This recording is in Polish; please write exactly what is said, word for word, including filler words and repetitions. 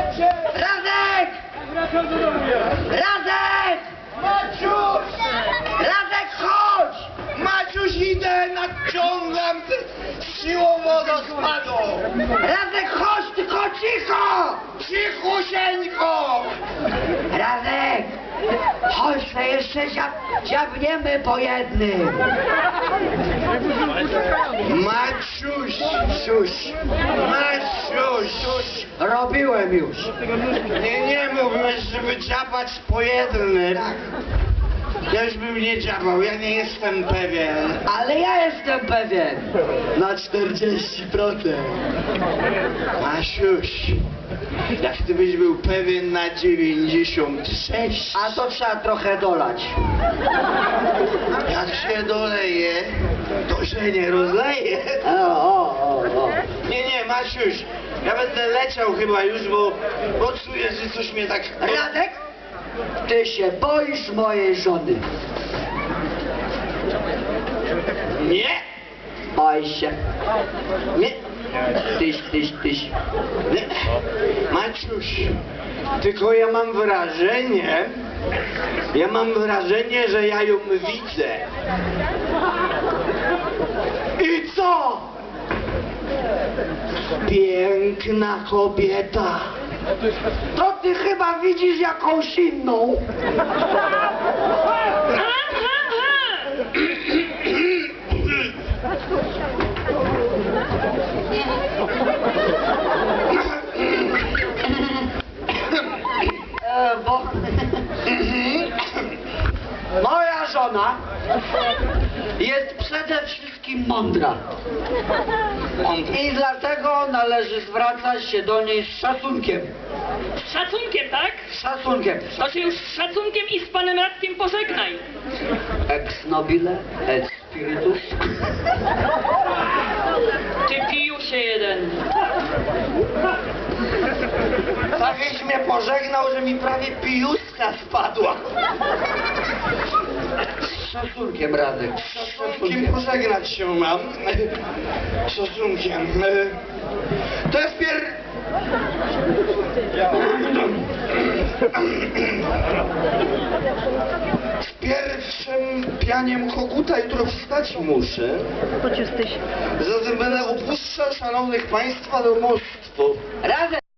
Radek! Radek! Maciuś! Radek, chodź! Maciuś, idę, nadciągam z siłą wodospadu! Radek, chodź, tylko cicho! Cichusieńko! Radek! Chodź, to jeszcze dziab, dziabniemy po jednym. Maciuś, Siuś, Maciuś! Robiłem już. Nie, nie mówiłeś, żeby dziabać po jednym. Ja już bym nie dziabał, ja nie jestem pewien. Ale ja jestem pewien. Na czterdzieści procent. Masiuś, jak ty byś był pewien na dziewięćdziesiąt sześć. A to trzeba trochę dolać. Jak się doleje, to się nie rozleje. O, o, o, o. Nie, nie, Masiuś, ja będę leciał chyba już, bo, bo czuję, że coś mnie tak... Radek, ty się boisz mojej żony. Nie, Boi się. nie, Tyś, tyś, tyś. nie. Maciuś, tylko ja mam wrażenie, ja mam wrażenie, że ja ją widzę. I co? Piękna kobieta. To ty chyba widzisz jakąś inną. E, bo... Moja żona jest przede wszystkim mądra. I dlatego należy zwracać się do niej z szacunkiem. Z szacunkiem, tak? Z szacunkiem. To się już z szacunkiem i z panem Radkiem pożegnaj. Ex nobile, et spiritus. Ty pijusie jeden. Takeś mnie pożegnał, że mi prawie pijuska spadła. Z szacunkiem, Radek. Z Szacunkiem szacunkiem. pożegnać się mam. Szacunkiem. To jest pier... Z pierwszym pianiem koguta jutro wstać muszę. Zatem będę opuszczał szanownych państwa domostwo. Radek!